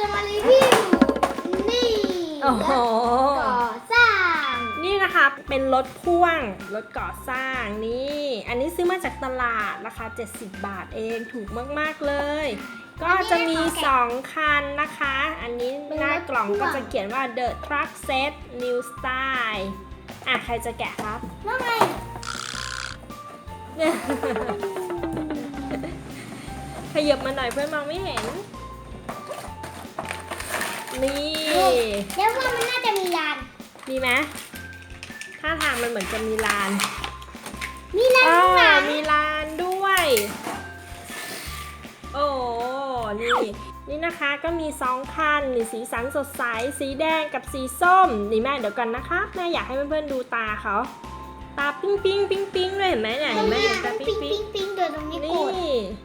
จะมารีวิวนี่โอ้โหก่อสร้างนี่นะคะเป็นรถพ่วงรถก่อสร้างนี่อันนี้ซื้อมาจากตลาดราคา70 บาทเองถูกมากๆเลย ก็จะมี2คันนะคะ อันนี้หน้ากล่องก็จะเขียนว่า The Truck Set New Style อ่ะใครจะแกะครับว่าไงขยับมาหน่อยเพื่อนมองไม่เห็น นี่แล้วว่ามันน่าจะมีลานมีไหมท่าทางมันเหมือนจะมีลานมีลานข้างหลังมีลานด้วย โอ้นี่นะคะก็มี2คันมีสีสันสดใสสีแดงกับสีส้มนี่แม่เดี๋ยวกันนะคะแม่อยากให้เพื่อนๆดูตาเขาตาปิ๊งปิ๊งปิ๊งปิ๊งเลยเห็นไหมเนี่ยเห็นไหมตาปิ๊งปิ๊งปิ๊งตัวตรงนี้นี่โกด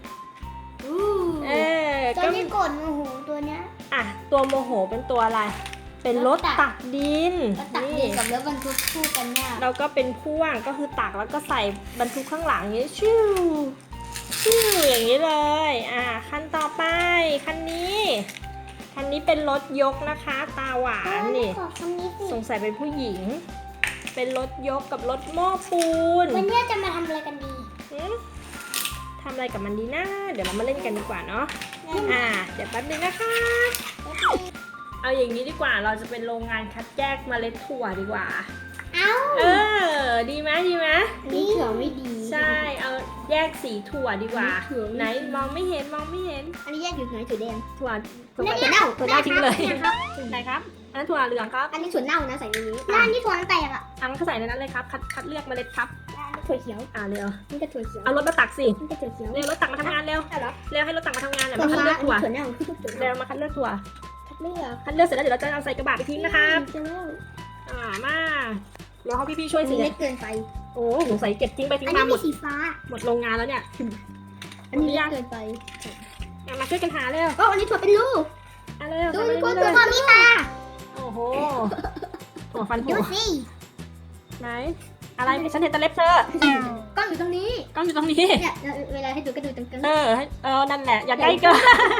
ตัวก็นี้โกดโอ้โหตัวเนี้ยอ่ะตัวโมโหเป็นตัวอะไร เป็นรถตักดินก็ตักดินกับรถบรรทุกคู่กันเนี่ยเราก็เป็นพ่วงก็คือตักแล้วก็ใส่บรรทุกข้างหลังอย่างนี้ชิวอย่างนี้เลยคันต่อไปคันนี้เป็นรถยกนะคะ ตาหวานนี่ขอคำนี้สิสงสัยเป็นผู้หญิง เป็นรถยกกับรถหม้อปูนวันนี้จะมาทำอะไรกันดีหืมทำอะไรกับมันดีนะเดี๋ยวเรามาเล่นกันดีกว่าเนาะเดี๋ยวแป๊บนึงนะคะ เอาอย่างนี้ดีกว่าเราจะเป็นโรงงานคัดแยกเมล็ดถั่วดีกว่าเอ้าดีไหมนี่เถื่อไม่ดีใช่เอาแยกสีถั่วดีกว่าถั่วไม่ดีไหนมองไม่เห็นอันนี้แยกอยู่ไหนถั่วแดงถั่วถั่วเน่าถั่วเน่าทิ้งเลยเนี่ยครับไหนครับอันนั้นถั่วเหลืองครับอันนี้ถั่วเน่านะใส่ในนี้แล้วอันนี้ถั่วน้ำแตกอ่ะอันนั้นก็ใส่ในนั้นเลยครับคัดเลือกเมล็ดครับถั่วเขียวเร็วนี่ก็ถั่วเขียวเอารถมาตักสินี่ก็ถั่วเขียวเร็วรถตักมาทำงานเร็วใช่เหรอเร็วให้รถตักมาทำงานเดี๋ยวถั่วมาคัดเลือกถั่วถั่วเน่าคือถั่วเร็เน่าวมาคัดเลือกถั่วคัดเลือกคัดเลือกเสร็จแล้วเดี๋ยวเราจะเอาใส่กระบะไปทิ้งนะครับจะเล่ามาเดี๋ยวเขาพี่ๆช่วยอันสินี้เล็กเกินไปโอ้สงสัยเก็บทิ้งไปทิ้งอันมานี้หมมีดสีฟ้าหมดโรงงานแล้วเนี่ยอันนี้เล็กเกินไปมาช่วยกันหาเร็วก็อันนี้ถั่วเป็นลูกเร็วดูทำดูมาดูเร็วถั่วมีตาโอ้โหถั่วฟันดูถั่วสิไหนอะไรฉันเห็นแต่เล็บเธอกล้องอยู่ตรงนี้กล้องอยู่ตรงนี้เนี่ยเวลาให้ดูก็ดูตรงกลางนั่นแหละอย่าใกล้เกิน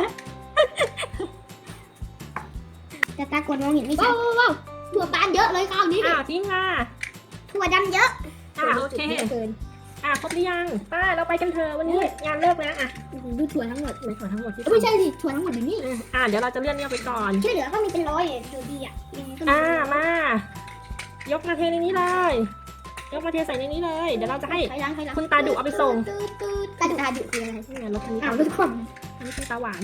แต่ตากดมองเห็นไม่ชัดว้าวถั่วบานเยอะเลยคราวนี้ทิ้งมาถั่วดำเยอะโอเคเยอะเกินครบหรือยังป้าเราไปกันเถอะวันนี้งานเลิกแล้วดูถั่วทั้งหมดในส่วนทั้งหมดที่ไม่ใช่สิถั่วทั้งหมดอยู่นี่เดี๋ยวเราจะเลื่อนเนี่ยไปก่อนที่เหลือก็มีเป็นร้อยเลยดูดีอ่ะมายกมาเทในนี้เลย ยกมาเทใส่ในนี้เลย เดี๋ยวเราจะให้คุณตาดุเอาไปส่งตาดุคืออะไรนี่ไงรถคันนี้อ้าวทุกคนอันนี้คือตาหวาน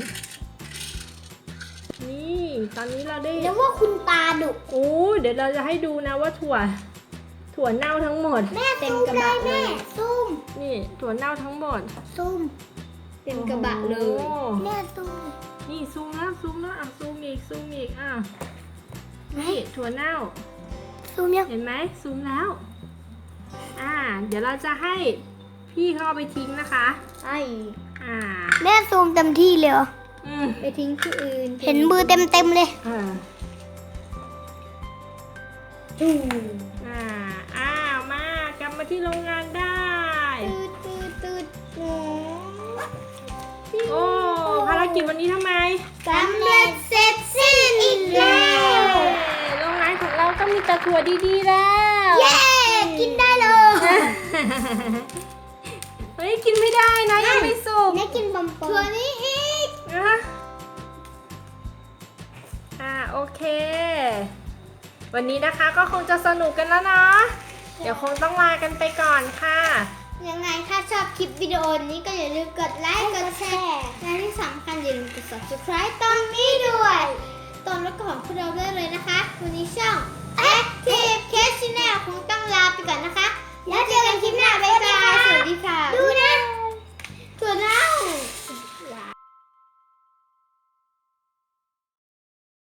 นี่ตอนนี้เราได้แล้วว่าคุณตาดุเดี๋ยวเราจะให้ดูนะว่าถั่วเน่าทั้งหมดแม่เต็มกระบะเลยซุ่มนี่ถั่วเน่าทั้งหมดซุ่มเต็มกระบะเลยโอ้โหแม่ซุ่มนี่ซูมแล้วซูมอีกนี่ถั่วเน่าซุ่มยังเห็นไหมซูมแล้ว เดี๋ยวเราจะให้พี่เขาเอาไปทิ้งนะคะแม่ซูมเต็มที่เลยไปทิ้งที่อื่นเห็นมือเต็มเลยมากลับมาที่โรงงานได้ตืดโอ้ภารกิจวันนี้ทำไมสำเร็จเสร็จสิ้นอีกแล้วโรงงานของเราก็มีแต่ถั่วดีๆแล้วเย้กินได้เลยเฮ้ยกินไม่ได้นะยังไม่สุกแม่กินบอมถั่วนี้อีกโอเค วันนี้นะคะก็คงจะสนุกกันแล้วเนาะเดี๋ยวคงต้องลากันไปก่อนค่ะยังไงถ้าชอบคลิปวิดีโอนี้ก็อย่าลืมกดไลค์กดแชร์และที่สำคัญอย่าลืมกด subscribe ตรงนี้ด้วยตอนรับของพวกเราได้เลยนะคะ วันนี้ช่อง Active Case Channel ขอ